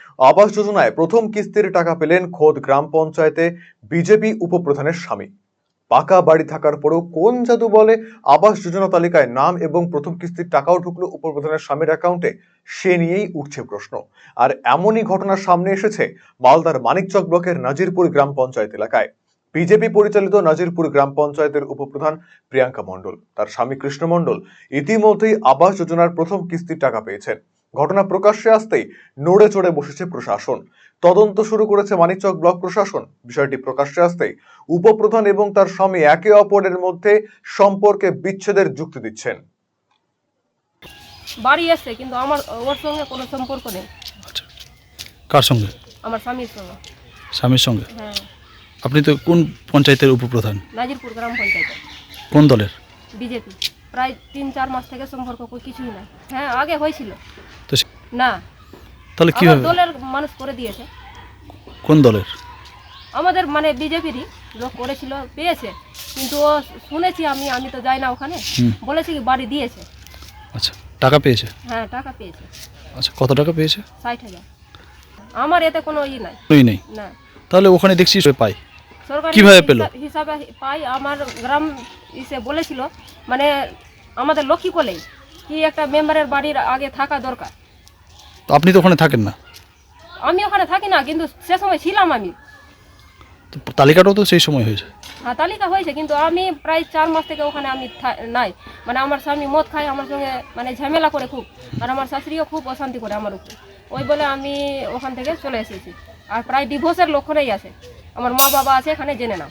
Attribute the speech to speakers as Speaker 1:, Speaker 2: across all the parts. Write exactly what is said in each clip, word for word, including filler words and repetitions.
Speaker 1: আবাস যোজনায় প্রথম কিস্তির টাকা পেলেন খোদ গ্রাম পঞ্চায়েতে বিজেপি উপপ্রধানের স্বামী। পাকা বাড়ি থাকার পরেও কোন জাদু বলে আবাস যোজনা তালিকায় নাম এবং প্রথম কিস্তির টাকাও ঢুকলো উপপ্রধানের স্বামীর অ্যাকাউন্টে, সে নিয়েই উঠছে প্রশ্ন। আর এমনই ঘটনা সামনে এসেছে মালদার মানিকচক ব্লকের নাজিরপুর গ্রাম পঞ্চায়েত এলাকায়। বিজেপি পরিচালিত নাজিরপুর গ্রাম পঞ্চায়েতের উপপ্রধান প্রিয়াঙ্কা মণ্ডল, তার স্বামী কৃষ্ণ মণ্ডল ইতিমধ্যেই আবাস যোজনার প্রথম কিস্তির টাকা পেয়েছেন। ঘটনা প্রকাশ্যে আসতেই নড়ে চড়ে বসেছে প্রশাসন। তদন্ত শুরু করেছে মানিকচক ব্লক প্রশাসন। বিষয়টি প্রকাশ্যে আসতেই উপপ্রধান এবং তার স্বামী একে অপরের মধ্যে সম্পর্কে বিচ্ছেদের যুক্তি দিচ্ছেন।
Speaker 2: বাড়ি এসে কিন্তু আমার ওর সঙ্গে কোনো সম্পর্ক নেই।
Speaker 3: আচ্ছা, কার সঙ্গে?
Speaker 2: আমার স্বামীর সঙ্গে।
Speaker 3: স্বামীর সঙ্গে?
Speaker 2: হ্যাঁ।
Speaker 3: আপনি তো কোন পঞ্চায়েতের উপপ্রধান?
Speaker 2: নাজিরপুর গ্রাম পঞ্চায়েত।
Speaker 3: কোন দলের?
Speaker 2: বিজেপি। প্রায় তিন চার মাস থেকে সম্পর্ক কিছুই না। হ্যাঁ, আগে হয়েছিল
Speaker 3: তো সে-
Speaker 2: না,
Speaker 3: তাহলে
Speaker 2: আমার
Speaker 3: কিভাবে?
Speaker 2: দলের মানুষ করে দিয়েছে।
Speaker 3: কোন দলের?
Speaker 2: আমাদের মানে বিজেপিরই লোক করেছিল, পেয়েছে। কিন্তু ও শুনেছি আমি আমি তো যাই না ওখানে,
Speaker 3: হুম।
Speaker 2: বলেছি কি বাড়ি দিয়েছে।
Speaker 3: আচ্ছা, টাকা পেয়েছে?
Speaker 2: হ্যাঁ, টাকা পেয়েছে
Speaker 3: আচ্ছা, কত টাকা পেয়েছে?
Speaker 2: ষাট হাজার। আমার এতে কোনো ই নাই।
Speaker 3: ওই নেই।
Speaker 2: না,
Speaker 3: তাহলে ওখানে দেখছি সে পাই।
Speaker 2: সরকারি
Speaker 3: কিভাবে পেলো?
Speaker 2: হিসাব- হিসাবে পাই। আমার গ্রাম ইসে বলেছিল মানে আমাদের লক্ষ্মী কলেই কি একটা মেম্বারের বাড়ির আগে থাকা দরকার।
Speaker 3: তো আপনি তো ওখানে থাকেন না,
Speaker 2: আমি ওখানে থাকি না, কিন্তু সে সময় ছিলাম আমি।
Speaker 3: তো তালিকাটাও তো সেই সময় হয়েছে।
Speaker 2: হ্যাঁ, তালিকা হয়েছে, কিন্তু আমি প্রায় চার মাস থেকে ওখানে আমি থা- নাই। মানে আমার স্বামী মদ খায়, আমার সঙ্গে মানে ঝামেলা করে খুব, আর আমার শাশুড়িও খুব অশান্তি করে আমার উপরে। ওই বলে আমি ওখান থেকে চলে এসেছি। আর প্রায় ডিভোর্সের লক্ষণেই আছে। আমার মা বাবা আছে এখানে, জেনে নাও।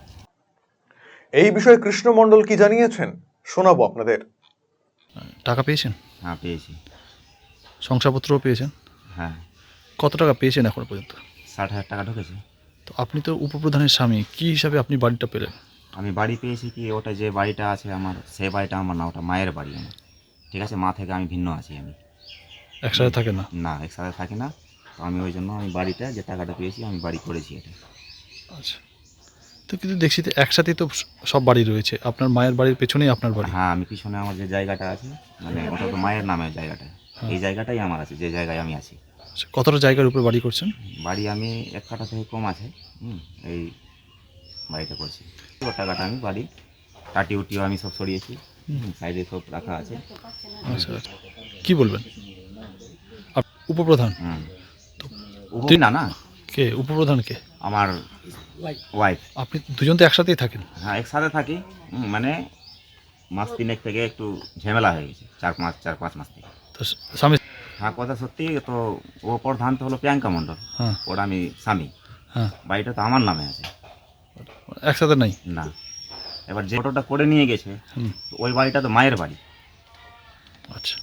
Speaker 1: এই বিষয়ে কৃষ্ণ মণ্ডল কি জানিয়েছেন শোনাবো আপনাদের।
Speaker 3: টাকা পেয়েছেন?
Speaker 4: হ্যাঁ, পেয়েছি।
Speaker 3: শংসাপত্রও পেয়েছেন?
Speaker 4: হ্যাঁ,
Speaker 3: কত টাকা পেয়েছেন এখনো পর্যন্ত?
Speaker 4: ষাট হাজার টাকা ঢুকেছে।
Speaker 3: তো আপনি তো উপপ্রধানের স্বামী, কি হিসাবে আপনি বাড়িটা পেলেন?
Speaker 4: আমি বাড়ি পেয়েছি কি, ওটা যে বাড়িটা আছে আমার, সে বাড়িটা আমার না, ওটা মায়ের বাড়ি আমার। ঠিক আছে, মা থেকে আমি ভিন্ন আছি। আমি
Speaker 3: একসাথে থাকে না?
Speaker 4: না, একসাথে থাকি না। তো আমি ওই জন্য আমি বাড়িটা যে টাকাটা পেয়েছি আমি বাড়ি করেছি এটা।
Speaker 3: আচ্ছা, তো কিন্তু দেখছি তো একসাথেই তো সব বাড়ি রয়েছে, আপনার মায়ের বাড়ির পেছনেই আপনার বাড়ি।
Speaker 4: হ্যাঁ, আমি পিছনে আমার যে জায়গাটা আছে, মানে ওটা তো মায়ের নামে জায়গাটা। এই জায়গাটাই আমার আছে, যে জায়গায় আমি আছি।
Speaker 3: আচ্ছা, কতটা জায়গার উপরে বাড়ি করছেন?
Speaker 4: বাড়ি আমি এক কাঠা থেকে কম আছে। হুম, এই বাড়িটা করছি। ও টাকাটা আমি বাড়ি টাটি উটিও আমি সব সরিয়েছি। সাইডে সব রাখা আছে।
Speaker 3: আচ্ছা, আচ্ছা, কি বলবেন? আপ- উপপ্রধান?
Speaker 4: হুম,
Speaker 3: তো
Speaker 4: উপ- না না
Speaker 3: কে উপপ্রধান? কে?
Speaker 4: আমার ওয়াইফ।
Speaker 3: আপনি দুজন তো একসাথেই থাকেন।
Speaker 4: হ্যাঁ, একসাথে থাকি। হুম, মানে মাস তিনেক থেকে একটু ঝামেলা হয়ে গেছে, চার পাঁচ চার পাঁচ মাস থেকে।
Speaker 3: তো স্বামী?
Speaker 4: হ্যাঁ, কথা সত্যি। তো ও প্রধান তো হলো প্রিয়াঙ্কা মণ্ডল,
Speaker 3: হ্যাঁ
Speaker 4: ওর আমি স্বামী।
Speaker 3: হ্যাঁ,
Speaker 4: বাড়িটা তো আমার নামে আছে
Speaker 3: একসাথে নাই?
Speaker 4: না। এবার যে ফটোটা করে নিয়ে গেছে,
Speaker 3: হুম,
Speaker 4: তো ওই বাড়িটা তো মায়ের বাড়ি।
Speaker 3: আচ্ছা।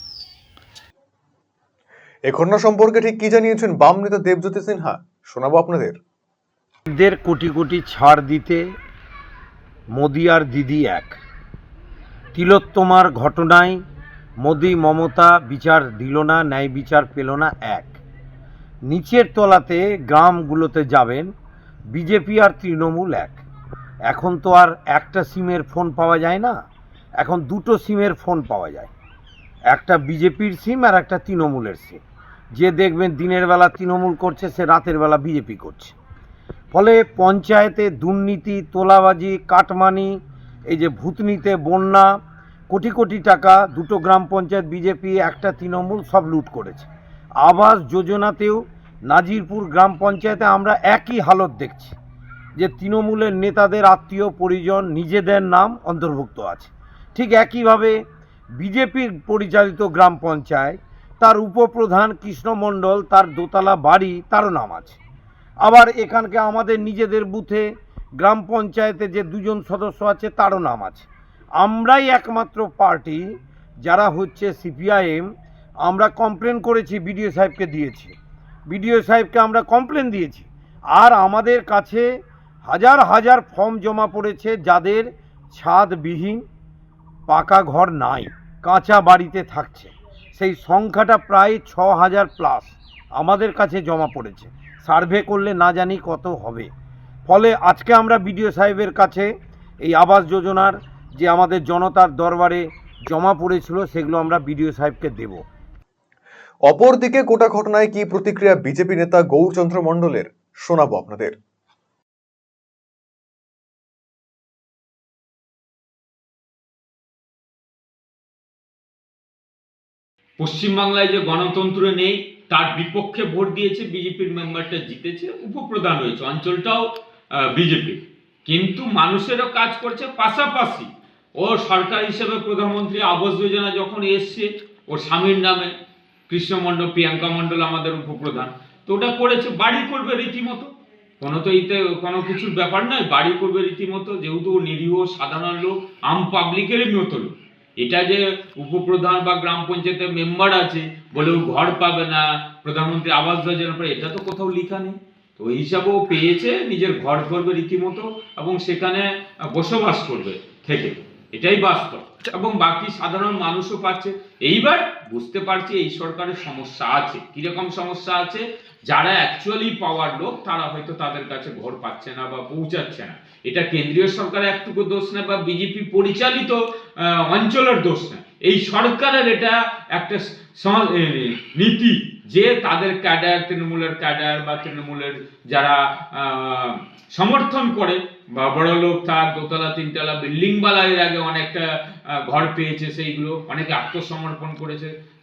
Speaker 1: এই ঘটনা সম্পর্কে ঠিক কি জানিয়েছেন বাম নেতা দেবজ্যোতি সিনহা, শোনাবো আপনাদের।
Speaker 5: দের কোটি কোটি ছাড় দিতে মোদি আর দিদি এক। তিলোত্তমার ঘটনায় মোদি মমতা বিচার দিল না, ন্যায় বিচার পেল না। এক নিচের তলাতে গ্রামগুলোতে যাবেন বিজেপি আর তৃণমূল এক। এখন তো আর একটা সিমের ফোন পাওয়া যায় না, এখন দুটো সিমের ফোন পাওয়া যায়। একটা বিজেপির সিম আর একটা তৃণমূলের সিম। যে দেখবেন দিনের বেলা তৃণমূল করছে, সে রাতের বেলা বিজেপি করছে। ফলে পঞ্চায়েতে দুর্নীতি, তোলাবাজি, কাটমানি, এই যে ভূতনিতে বন্যা, কোটি কোটি টাকা দুটো গ্রাম পঞ্চায়েত বিজেপি, একটা তৃণমূল, সব লুট করেছে। আবাস যোজনাতেও নাজিরপুর গ্রাম পঞ্চায়েতে আমরা একই হালত দেখছি, যে তৃণমূলের নেতাদের আত্মীয় পরিজন, নিজেদের নাম অন্তর্ভুক্ত আছে। ঠিক একইভাবে বিজেপির পরিচালিত গ্রাম পঞ্চায়েত, তার উপপ্রধান কৃষ্ণ মণ্ডল, তার দোতলা বাড়ি, তারও নাম আছে। আবার এখানকে আমাদের নিজেদের বুথে গ্রাম পঞ্চায়েতে যে দুজন সদস্য আছে, তারও নাম আছে। আমরাই একমাত্র পার্টি যারা হচ্ছে সিপিআইএম, আমরা কমপ্লেন করেছি, বিডিও সাহেবকে দিয়েছি, বিডিও সাহেবকে আমরা কমপ্লেন দিয়েছি। আর আমাদের কাছে হাজার হাজার ফর্ম জমা পড়েছে, যাদের ছাদবিহীন, পাকা ঘর নাই, কাঁচা বাড়িতে থাকছে, সেই সংখ্যাটা প্রায় ছ হাজার প্লাস আমাদের কাছে জমা পড়েছে। সার্ভে করলে না জানি কত হবে। ফলে আজকে আমরা বিডিও সাহেবের কাছে এই আবাস যোজনার যে আমাদের জনতার দরবারে জমা পড়েছিল, সেগুলো আমরা বিডিও সাহেবকে দেব।
Speaker 1: অপরদিকে গোটা ঘটনায় কি প্রতিক্রিয়া বিজেপি নেতা গৌরচন্দ্র মণ্ডলের, শোনাবো আপনাদের।
Speaker 6: পশ্চিমবাংলায় যে গণতন্ত্র নেই তার বিপক্ষে ভোট দিয়েছে, বিজেপির মেম্বারটা জিতেছে, উপপ্রধান হয়েছে, অঞ্চলটাও বিজেপি, কিন্তু মানুষেরও কাজ করছে। পাশাপাশি ও সরকার হিসেবে প্রধানমন্ত্রী আবাস যোজনা যখন এসছে ওর স্বামীর নামে, কৃষ্ণ মণ্ডল, প্রিয়াঙ্কা মণ্ডল আমাদের উপপ্রধান, তো ওটা করেছে, বাড়ি করবে রীতিমতো, কোনো তো এতে কোনো কিছুর ব্যাপার নয়, বাড়ি করবে রীতিমতো, যেহেতু ও নিরীহ সাধারণ লোক, আম পাবলিকেরই মতো লোক। এটা যে উপপ্রধান বা গ্রাম পঞ্চায়েতের মেম্বার আছে বলে ও ঘর পাবে না, প্রধানমন্ত্রী আবাস যোজনা পাবে, এটা তো কোথাও লেখা নেই। তো ওই হিসাবে ও পেয়েছে, নিজের ঘর করবে রীতিমতো এবং সেখানে বসবাস করবে থেকে, এটাই বাস্তব, এবং বাকি সাধারণ মানুষও পাচ্ছে। এইবার বুঝতে পারছি এই সরকারের সমস্যা আছে। কিরকম সমস্যা আছে? যারা অ্যাকচুয়ালি পাওয়ার লোক তারা হয়তো তাদের কাছে ঘর পাচ্ছে না বা পৌঁছাচ্ছে না। এটা কেন্দ্রীয় সরকারের একটুকু দোষ না বা বিজেপি পরিচালিত অঞ্চলের দোষ না, এই সরকারের এটা একটা নীতি যে তাদের ক্যাডার, তৃণমূলের ক্যাডার বা তৃণমূলের যারা সমর্থন করে বা বড় লোক, তার দোতলা তিনতলা বিল্ডিং বালা এর আগে অনেকটা ঘর পেয়েছে, সেইগুলো অনেকে আত্মসমর্পণ করেছে।